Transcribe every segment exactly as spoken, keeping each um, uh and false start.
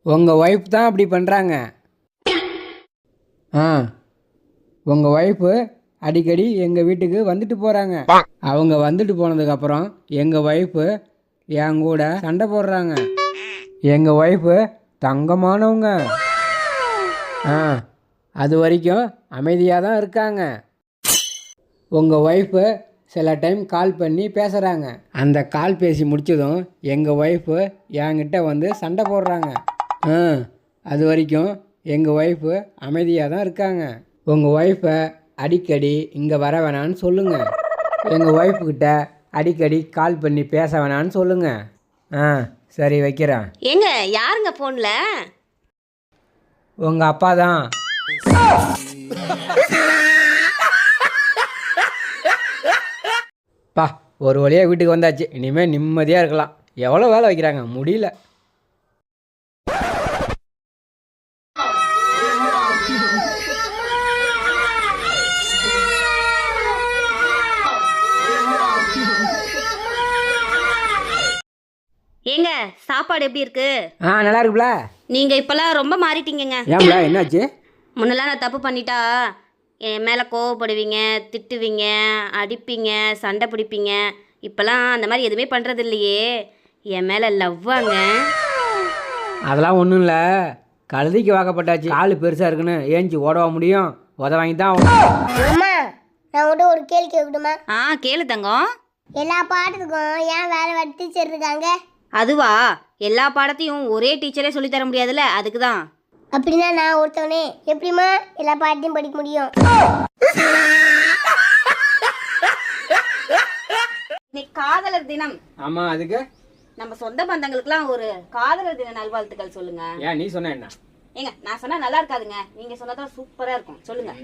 உங்கள் ஒய்ஃப் தான் அப்படி பண்ணுறாங்க. ஆ உங்கள் ஒய்ஃபு அடிக்கடி எங்கள் வீட்டுக்கு வந்துட்டு போகிறாங்க. அவங்க வந்துட்டு போனதுக்கப்புறம் எங்கள் ஒய்ஃபு என் கூட சண்டை போடுறாங்க. எங்கள் ஒய்ஃபு தங்கமானவங்க. ஆ அது வரைக்கும் அமைதியாக தான் இருக்காங்க. உங்கள் ஒய்ஃபு சில டைம் கால் பண்ணி பேசுகிறாங்க. அந்த கால் பேசி முடித்ததும் எங்கள் ஒய்ஃபு என்கிட்ட வந்து சண்டை போடுறாங்க. ஆ அது வரைக்கும் எங்கள் ஒய்ஃபு அமைதியாக தான் இருக்காங்க. உங்கள் ஒய்ஃபை அடிக்கடி இங்கே வர வேணான்னு சொல்லுங்கள். எங்கள் ஒய்ஃபுக்கிட்ட அடிக்கடி கால் பண்ணி பேச வேணான்னு சொல்லுங்கள். ஆ சரி வைக்கிறேன். ஏங்க யாருங்க ஃபோனில்? உங்கள் அப்பா தான். பா ஒரு வழியாக வீட்டுக்கு வந்தாச்சு. இனிமேல் நிம்மதியாக இருக்கலாம். எவ்வளோ வேலை வைக்கிறாங்க, முடியல. ஏங்க சாப்பாடு எப்படி இருக்கு? ஆ நல்லா இருக்குல்ல. நீங்கள் இப்போல்லாம் ரொம்ப மாறிட்டீங்கங்க. ஏன்ல என்னாச்சு? முன்னெல்லாம் நான் தப்பு பண்ணிட்டா என் மேலே கோவப்படுவீங்க, திட்டுவீங்க, அடிப்பீங்க, சண்டை பிடிப்பீங்க. இப்போல்லாம் அந்த மாதிரி எதுவுமே பண்ணுறது இல்லையே. என் மேலே லவ்வாங்க. அதெல்லாம் ஒன்றும் இல்லை. கழுதிக்கு வாக்கப்பட்டாச்சு. கால் பெருசாக இருக்குன்னு ஏஞ்சி ஓடவா முடியும்? உத வாங்கி தான் அம்மா, நான் உங்கள்கிட்ட ஒரு கேள்வி கேட்கட்டுமா? ஆ கேளு தங்கம். எல்லா பாடத்துக்கும் ஏன் வேற வேற டீச்சர் இருக்காங்க? அதுவா, எல்லா பாடத்தையும் ஒரே டீச்சரே சொல்லித்தர முடியாதுல்ல, அதுக்கு தான். அப்படின்னா நான் ஒருத்தவனே எப்படிமா எல்லா பாடத்தையும் படிக்க முடியும்? இன்னைக்கு காதலர் தினம். ஆமாம், அதுக்கு நம்ம சொந்த பந்தங்களுக்குலாம் ஒரு காதலர் தின நல்வாழ்த்துக்கள் சொல்லுங்க. ஏன் நீ சொன்ன என்ன? ஏங்க நான் சொன்னா நல்லா இருக்காதுங்க, நீங்க சொன்னதான் சூப்பரா இருக்கும். சொல்லுங்க.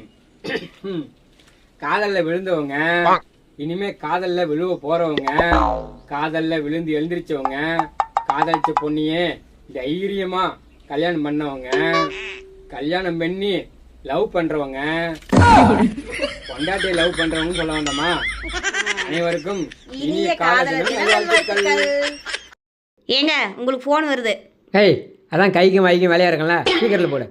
காதல்ல விழுந்தவங்க, இனிமே காதல்ல விழுவ போறவங்க, காதல்ல விழுந்து எழுந்திரிச்சவங்க, காதலிச்ச பொண்ணியே தைரியமா கல்யாணம் பண்ணவங்க, கல்யாணம் பண்ணி லவ் பண்றவங்க, பொண்டாட்டியை லவ் பண்றவங்க சொல்ல வேண்டாமா? அனைவருக்கும் இனிய காதலர் தின நல்வாழ்த்துக்கள். ஏங்க உங்களுக்கு போன் வருது. ஏய், அதான் கைக்கும் வாய்க்கும் வேலையா இருக்கல, ஸ்பீக்கர்ல போடு.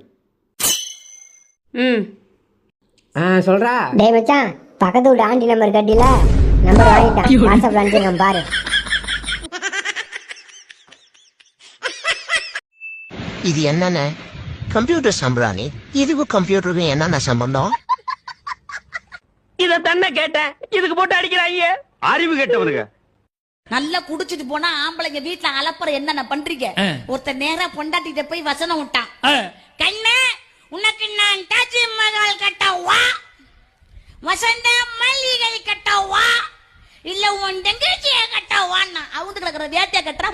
ம் ஆ சொல்றா. டேய் மச்சான், பக்கத்து வீட்டு ஆண்டி நம்பர் கட்டில நம்பர் வாங்கிட்டான். வாட்ஸ்அப்ல அனுப்பிச்சிருக்கேன் பாரு. இது என்னென்ன கம்ப்யூட்டர் சம்பிராணி? இதுவும் கம்ப்யூட்டருக்கும் என்னென்ன சம்பந்தம்? இத தன்ன கேட்டேன், இதுக்கு போட்டு அடிக்கிறாங்க. அறிவு கேட்டவனுங்க. நல்லா குடிச்சிட்டு போனா ஆம்பளைங்க வீட்டுல அலப்பற என்னென்ன பண்றீங்க? ஒருத்தர் நேரா பொண்டாட்டிட்ட போய் வசனம் விட்டான். கண்ணே, உனக்கு நான் தாஜ்மஹால் கட்டவா, வசந்த மல்லிகை கட்டவா, இல்ல உன் தங்கச்சிய கட்டவான்னா அவங்க கிடக்குற வேட்டைய கட்டுறா.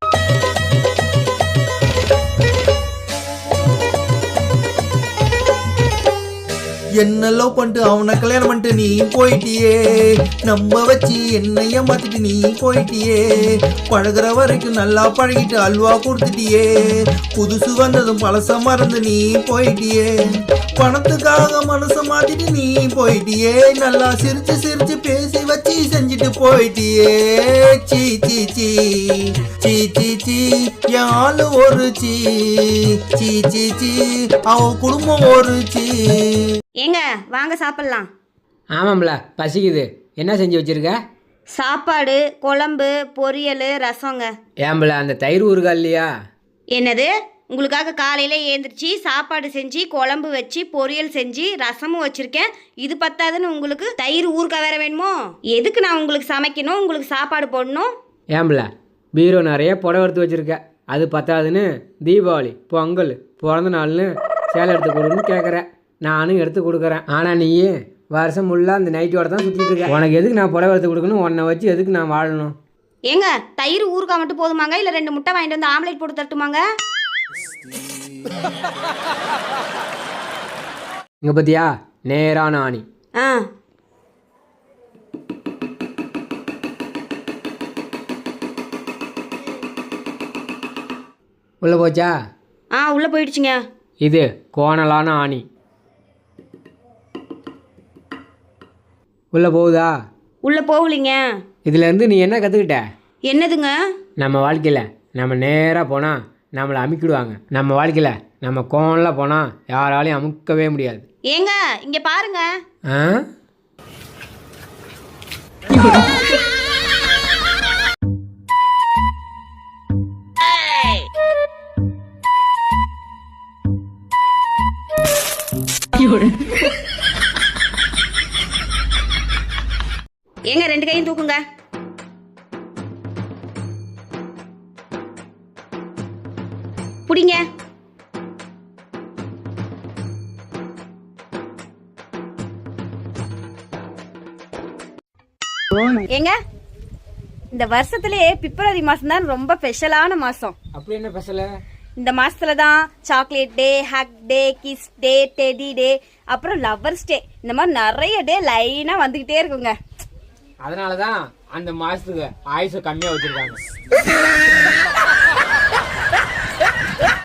என்ன லவ் பண்ணிட்டு அவனை கல்யாணம் பண்ணிட்டு நீ போயிட்டியே, நம்ம வச்சு என்னைய மாத்திட்டு நீ போயிட்டியே, பழகுற வரைக்கும் நல்லா பழகிட்டு அல்வா கொடுத்துட்டியே, புதுசு வந்ததும் பழச மறந்து நீ போயிட்டியே, பணத்துக்காக மனச மாத்திட்டு நீ போயிட்டியே, நல்லா சிரிச்சு சிரிச்சு பேசி வச்சு செஞ்சுட்டு போயிட்டியே. சீ சீ சீ சீ சீ சீ என் ஆளு ஒரு சீ சீ சீ சீ அவ குடும்பம் ஒரு சீ. ஏங்க வாங்க சாப்பிடலாம். ஆமாம்ல, பசிக்குது. என்ன செஞ்சு வச்சிருக்க? சாப்பாடு, குழம்பு, பொரியல், ரசங்க. ஏம்பல அந்த தயிர் ஊறுகாய் இல்லையா? என்னது? உங்களுக்காக காலையில் ஏந்திரிச்சு சாப்பாடு செஞ்சு குழம்பு வச்சு பொரியல் செஞ்சு ரசமும் வச்சுருக்கேன். இது பத்தாதுன்னு உங்களுக்கு தயிர் ஊறுகாய் வேற வேணுமோ? எதுக்கு நான் உங்களுக்கு சமைக்கணும், உங்களுக்கு சாப்பாடு போடணும்? ஏம்பல பீரோ நிறைய புடவை எடுத்து வச்சுருக்க, அது பத்தாதுன்னு தீபாவளி, பொங்கல், பிறந்த நாள்னு சேலை எடுத்து கொடுன்னு கேட்குற. நானும் எடுத்து கொடுக்குறேன். ஆனால் நீ வருஷம் ஃபுல்லாக அந்த நைட்டோட தான் சுற்றிட்டு இருக்க. உனக்கு எதுக்கு நான் புடவை எடுத்து கொடுக்கணும்? உன்னை வச்சு எதுக்கு நான் வாழணும்? ஏங்க தயிர் ஊறுகாய் மட்டும் போதுமாங்க, இல்லை ரெண்டு முட்டை வாங்கிட்டு வந்து ஆம்லேட் போட்டு தட்டுமாங்க? இங்கே பார்த்தியா, நேரான ஆணி. ஆ உள்ளே போச்சா? ஆ உள்ளே போயிடுச்சுங்க. இது கோணலான ஆணி. உள்ளே போகுதா? உள்ளே போகலிங்க. இதுலேருந்து நீ என்ன கற்றுக்கிட்ட? என்னதுங்க? நம்ம வாழ்க்கையில் நம்ம நேராக போனால் நம்மளை அமுக்கிடுவாங்க. நம்ம வாழ்க்கையில் நம்ம கோவம்லாம் போனால் யாராலையும் அமுக்கவே முடியாது. ஏங்க இங்க பாருங்க. ஆ ஏங்க ரெண்டு கையும் தூக்குங்க. புடிங்க. ஏங்க இந்த வருஷத்திலே பிப்ரவரி மாசம் தான் ரொம்ப ஸ்பெஷலான மாசம். அப்படி என்ன பேசல? இந்த மாசத்துல தான் chocolate day, hug day, kiss day, teddy day, அப்புறம் லவ்வர்ஸ் டே, இந்த மாதிரி நிறைய டே லைனா வந்துகிட்டே இருக்குங்க. அதனால தான் அந்த மாசத்துக்கு ஆயுசை கம்மியாக வச்சிருக்காங்க.